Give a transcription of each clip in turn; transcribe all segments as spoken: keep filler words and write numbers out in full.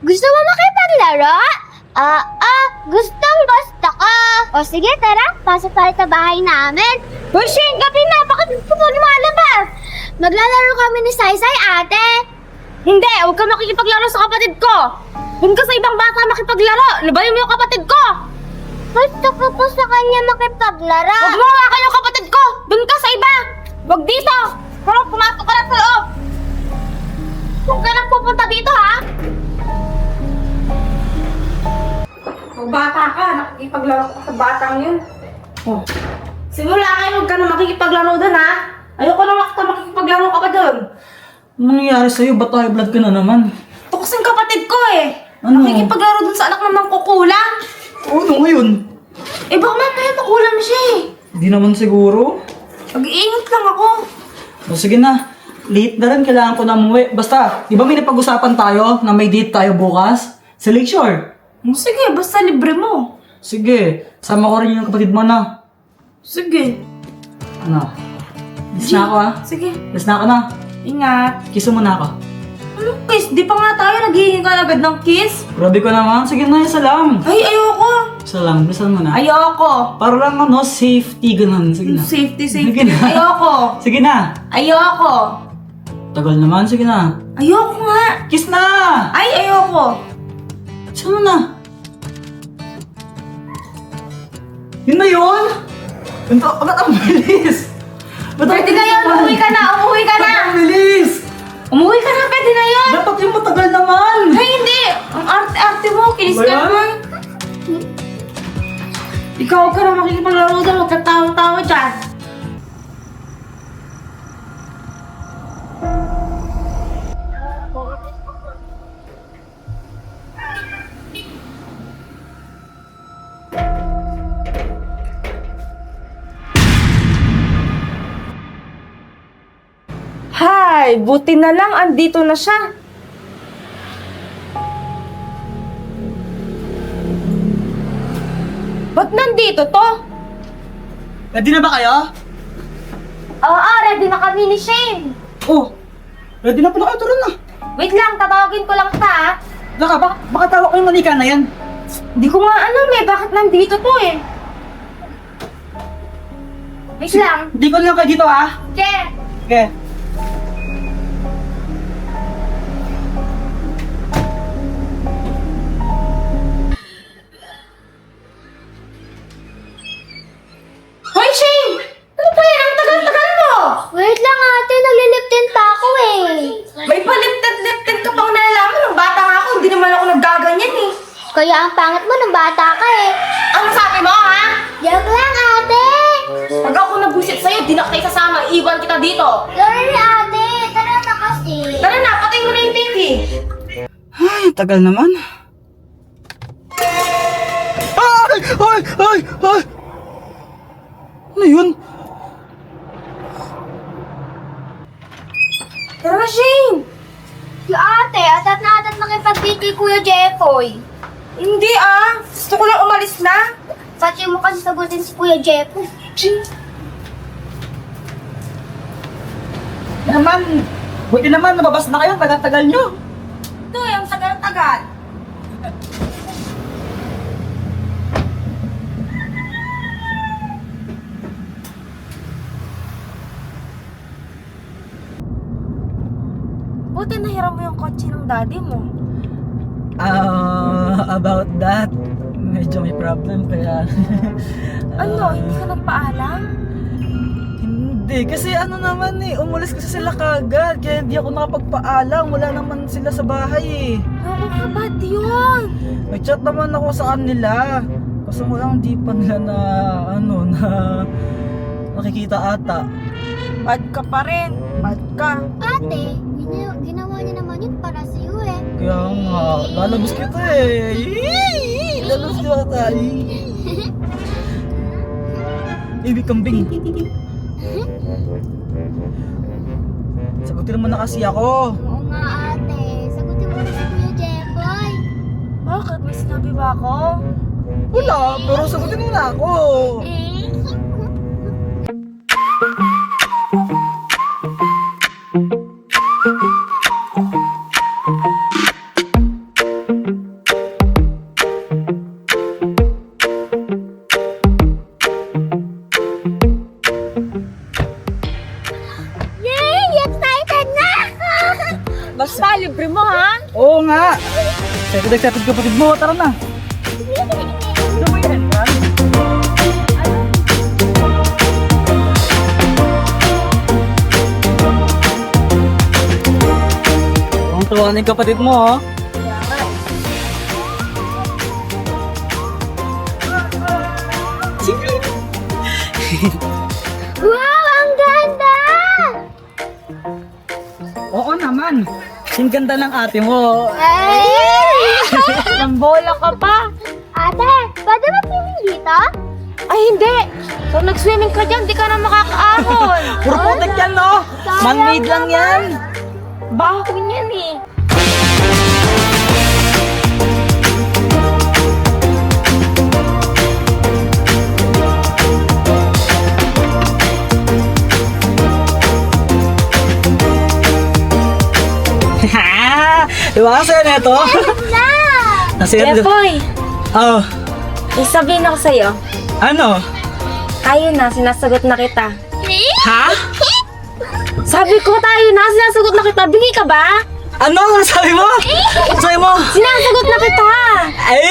Gusto mo makipaglaro? Ah, ah, gustong gusto ko. O sige, tara, pasok tayo sa bahay namin. Uy, Shane, gabi na, bakit gusto mo lumalabas? Maglalaro kami ni Saysay, ate. Hindi, huwag ka makikipaglaro sa kapatid ko. Doon ka sa ibang bata makipaglaro. Labayan mo yung kapatid ko. Gusto ko po sa kanya makipaglaro. Huwag mo nga yung kapatid ko. Doon ka sa iba. Huwag dito. Pero pumasok ka na sa loob. Huwag ka nang pupunta dito, ha? Kung bata ka, nakikipaglaro ka sa batang yun. Oh. Simula kayo, huwag ka na makikipaglaro doon, ha? Ayoko na makita makikipaglaro ka pa doon. Ano nangyayari sa'yo? Ba't high blood ka na naman? Ito kasing kapatid ko eh. Ano? Nakikipaglaro doon sa anak ng mangkukulang. Ano ngayon? Eh baka mamaya makulam siya eh. Hindi naman siguro. Mag-iingat lang ako. O sige na. Late na rin, kailangan ko na umuwi. Basta, di ba may napag-usapan tayo na may date tayo bukas? Sa Lakeshore. Oh, sige, basta libre mo. Sige, sama ko rin yung kapatid mo na. Sige. Ano? Kiss na ako ha? Sige. Kiss na ako na. Ingat. Kiss mo na ako. Anong kiss? Di pa nga tayo naghihingi ka agad ng kiss? Grabe ko naman. Sige na, isa lang. Ay, ayoko. Isa lang, bilisan mo na. Ayoko. Para lang ano, safety, ganun. Sige na. Safety, Sige safety. na. Ayoko. Sige na. Ayoko. Tagal naman, sige na. Ayoko nga. Kiss na! Ay, ayoko. Saan mo na? Yun na yun? Ito, ba't ang bilis? Ba't ang Pwede na bilis yun. naman? Umuwi ka na. Umuwi ka na. Ba't ang bilis? Umuwi ka na. Pwede na yun. Dapat yung matagal naman! Ay, hindi. Ang arte-arte mo. Kinis Ba ka yan? naman. Ikaw ka na makikipaglaro doon. Huwag kang tawa-tawa dyan. Hay, buti na lang andito na siya. Ba't nandito to? Ready na ba kayo? Oo, ready na kami ni Shane. Oh, ready na pala kayo, tara na. Wait lang, tatawagin ko lang siya, ha? Laka, baka, baka tawag ko yung manika na yan. Hindi ko nga alam eh, bakit nandito to eh? Wait lang. Hindi ko lang kayo dito ah. Che! Okay. Hoy, Shane! Ano ba yan? Ang tagal-tagal mo! Wait lang, ate. Nagliliptin pa ako, eh. May paliptad-liptad ka pang nalalaman. Nung bata nga ako, hindi naman ako naggaganyan eh. Kaya ang pangit mo nung bata ka, eh. Ano sabi mo, ha? Joke lang, ate. Pag ako nabusit sa'yo, di na kita sasama. Iwan kita dito. Sorry, ate. Tara na kasi. Tara na, patay mo na yung T V. Ay, tagal naman. Ay! Ay! Ay! Ay! Ano yun? Tara na, Shane! Si ate, atat na atat makipag-date kay Kuya Jeffoy. Hindi ah. Gusto ko lang umalis na. Pati mo kasi sagutin si Kuya Jeffoy. Naman, buti naman, nababas na kayo, tagal-tagal nyo. Ito eh, ang tagal-tagal. Buti nahiram mo yung kotse ng daddy mo. Ah, about that, medyo may problem kaya... Ano, hindi ka nagpaalam? Hindi, kasi ano naman eh, umulis kasi sila kagad, kaya hindi ako nakapagpaalam, wala naman sila sa bahay eh. Ako ka ba't yun? Nag-chat naman ako sa kanila, kasi mo lang di pa nila na, ano, na nakikita ata. Bad ka pa rin. Bad ka. Ate, gina- ginawa niya naman yun para sa iyo, eh. Kaya nga, lalabas kita eh. Yee! Lalabas kita. Yee! Ibig kambing. Sagutin mo na kasi ako. Oo nga, ate. Sagutin mo na si Kuya Jeffoy. Bakit? May sinabi ba ako? Wala, pero sagutin mo na ako. Eh? nga. Excited, excited kapatid mo. Tara na. Ano mo yan, Ran? Ang tuwa ng kapatid mo, oh. Wow, ang ganda! Oo naman. Ang ganda ng ate mo. Ay! Ang bola ka pa. Ate, pwede ba swimming dito? Ay, hindi. Kung nag-swimming ka dyan, di ka na makakaahon. Puro putik yan, no? Man-made lang yan. Baho yan eh. Diba kasi yan ito? Na! Kasi yan. Jepoy, Oh, may sabihin ako sa'yo. ano? Ayun na, sinasagot na kita. Ha? Sabi ko tayo na, sinasagot na kita. Bingi ka ba? Ano? Ano sabi mo? Ano sabi mo? Sinasagot na kita. Ay!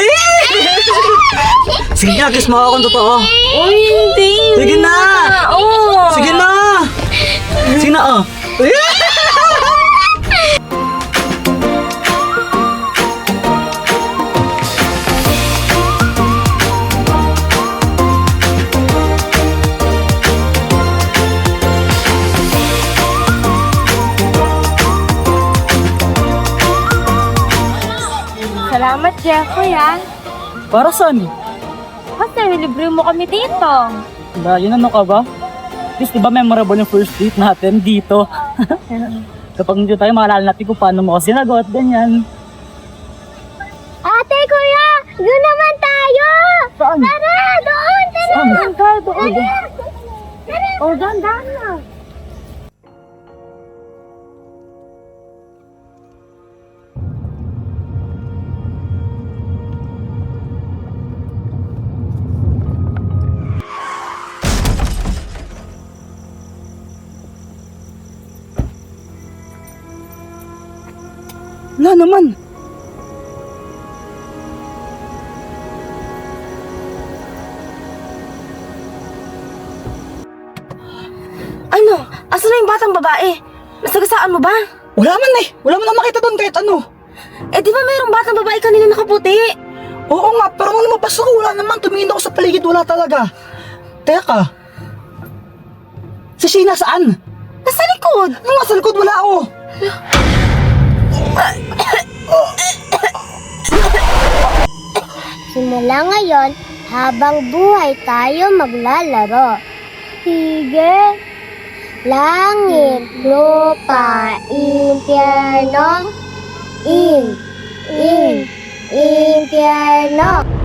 Sige na, kiss mo ako kung totoo. Uy, hindi. Sige na! Oo. Sige na! Sige na, oh. Salamat, Jeffrey, ha? Para saan? Kasi libre mo kami dito. Ba, yun ano ka ba? At least, di ba memorable yung first date natin dito? Kapag hindi tayo, maalala natin kung paano mo kasi sinagot, ganyan. Ate, kuya! Doon naman tayo! Saan? Tara, doon! Tara! Saan? Doon ka, doon. Tara! Oh, doon, doon na. Wala naman. Ano? Asan na yung batang babae? Nasagasaan mo ba? Wala man eh. Wala man na makita doon kahit ano. Eh, di ba mayroong batang babae kanina nakaputi? Oo nga, pero nung lumabas ako, wala naman. Tumingin ako sa paligid, wala talaga. Teka. Si Sheena saan? Nasa likod. Nung nasa likod, wala ako. Simula ngayon, habang buhay tayo maglalaro. Sige. Langit, lupa, impyerno. In, in, impyerno.